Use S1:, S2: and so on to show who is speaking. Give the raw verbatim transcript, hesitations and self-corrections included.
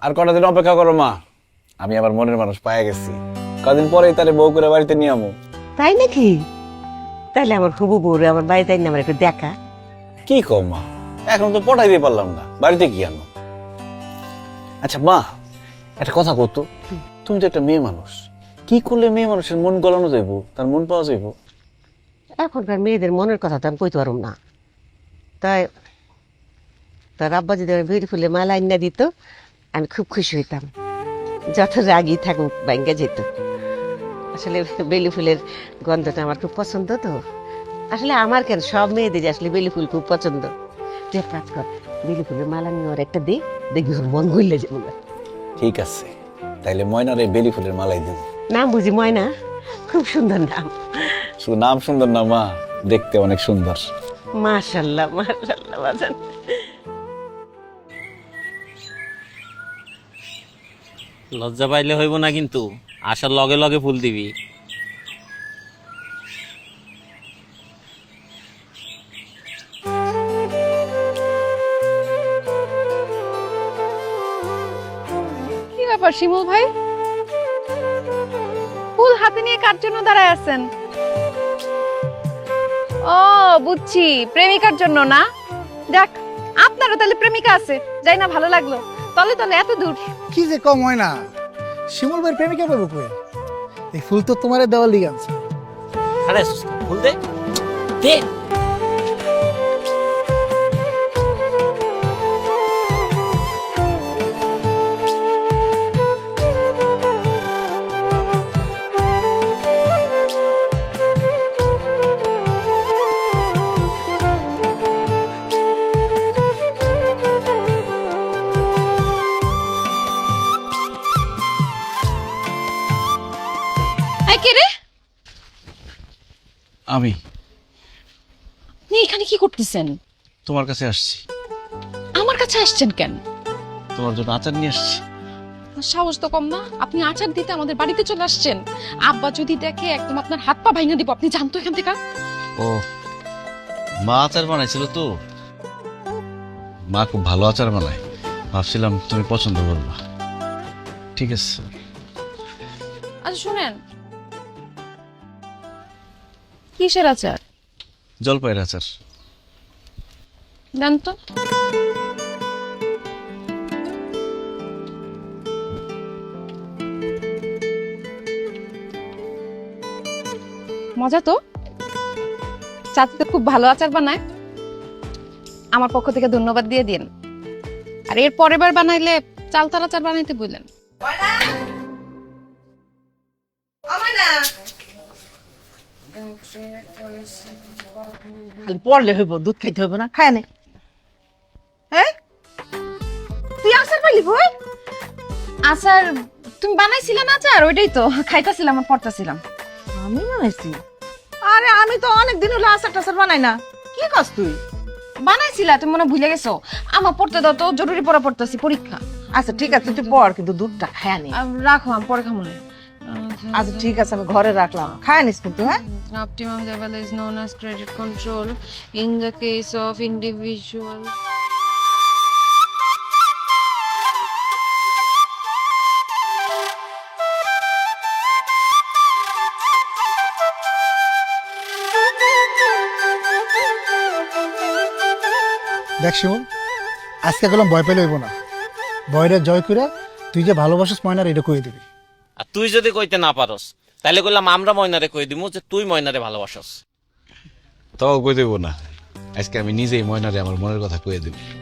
S1: আর কটা দিন অপেক্ষা করো মা, আমি আবার মনের মানুষ পায়ে গেছি। কদিন পরেই তারে বউ করে বাড়িতে নিয়ে আমো।
S2: তাই নাকি? তাইলে আমার হবু বউরে আমার বাড়িতে আইন আমার একটু দেখা।
S1: কি কও মা, এখন তো পটাই দিয়ে পারলাম না, বাড়িতে কি আনো? আচ্ছা মা, একটা কথা কত, তুমি তো একটা মেয়ে মানুষ, কি করলে মেয়ে মানুষের মন গলানো যাইবো, তার মন পাওয়া যাইবো?
S2: এখনকার মেয়েদের মনের কথা তো আমি কইতে পারব না। তাই তার আব্বা যদি আমার বেলি ফুলে মালা আইনা দিত, আমি খুব খুশি হইতাম। যত রাগই থাকুক ব্যাঙ্গে যেত। আসলে বেলি ফুলের গন্ধটা আমার খুব পছন্দ তো। আসলে আমার কেন, সব মেয়েদের আসলে বেলি ফুল খুব পছন্দ। তুই এক কাজ কর, বেলি ফুলের মালা নিয়ে ওর একটা দে, দেখবি ওর মন গইলে যাবো না।
S1: ঠিক আছে, তাইলে ময়নারে বেলি ফুলের মালাই দিব।
S2: নাম বুঝি ময়না? খুব সুন্দর নাম।
S1: শুধু নাম সুন্দর না মা, দেখতে অনেক সুন্দর।
S2: মাশাল্লাহ মাশাল্লাহ বাজান।
S3: লজ্জা পাইলে হইব না কিন্তু, আসার লগে লগে ফুল দিবি।
S4: কি ব্যাপার শিমুল ভাই, ফুল হাতে নিয়ে কার জন্য দাঁড়ায় আছেন? ও বুঝছি, প্রেমিকার জন্য না? দেখ, আপনারও তাহলে প্রেমিকা আছে, যাই না, ভালো লাগলো। তলে তলে এত দূর।
S5: কি যে কম হয় না, শিমুল ভাইয়ের প্রেমিকা পাবো কই? এই ফুল তো তোমার দেওয়ার লিগে আনছে।
S3: আরে ফুল দে দে।
S4: এই কে রে?
S1: আমি
S4: আপনি এখানে কি করতেছেন?
S1: তোমার কাছে আসছি।
S4: আমার কাছে আসছেন কেন?
S1: তোমার জন্য আচার নিয়ে আসছি।
S4: সাহস তো কম না, আপনি আচার দিতে আমাদের বাড়িতে চলে আসছেন। আব্বা যদি দেখে একদম আপনার হাত পা ভাঙা দিব। আপনি জানতো এখান থেকে?
S1: ও, মা আচার বানাইছিল তো, মা খুব ভালো আচার বানায়, ভাবছিলাম তুমি পছন্দ করবা। ঠিক আছে।
S4: আচ্ছা শুনেন, কিসের আচার?
S1: জলপাইয়ের আচার।
S4: দেন তো। মজা তো, চাচি তো খুব ভালো আচার বানায়। আমার পক্ষ থেকে ধন্যবাদ দিয়ে দিন। আর এর পরের বার বানাইলে চালতার আচার বানাইতে বললেন।
S2: খালি পড়লে হইব, দুধ খাইতে হইব না? খায় নে। হ্যাঁ, তুই আসার পাইলি বই?
S4: আচার তুমি বানাইছিলে না আচার? ওইটাই তো খাইতাছিলাম আর পড়তাছিলাম।
S2: আমি বানাইছি? আরে আমি তো অনেক দিন হলো আচার টাচার বানাই না। কি কাজ তুই?
S4: বানাইছিলা, তুমি মনে হয় ভুলে গেছো। আমার পড়তে দাও তো, জরুরি পড়া পড়তেছি, পরীক্ষা।
S2: আচ্ছা ঠিক আছে, তুই পড়, কিন্তু দুধটা খায় নে।
S4: আহ, রাখো, আমি পরে খাবো না।
S2: আচ্ছা ঠিক আছে, আমি ঘরে রাখলাম, খায় নিস কিন্তু। হ্যাঁ,
S4: Optimum level is known as credit control in the case of individual.
S5: দেখ শিমুল, আজকে গেলাম ভয় পেলে হইব না, ভয়টা জয় করে তুই যে ভালোবাসিস ময়নার এটা কয়ে দিবি।
S3: আর তুই যদি কইতে না পারস, তাহলে কইলাম আমরা ময়নারে কই দিমু যে তুই ময়নারে ভালোবাসস।
S1: তাও কই দেবো না, আজকে আমি নিজেই ময়নারে আমার মনের কথা কয়ে দেব।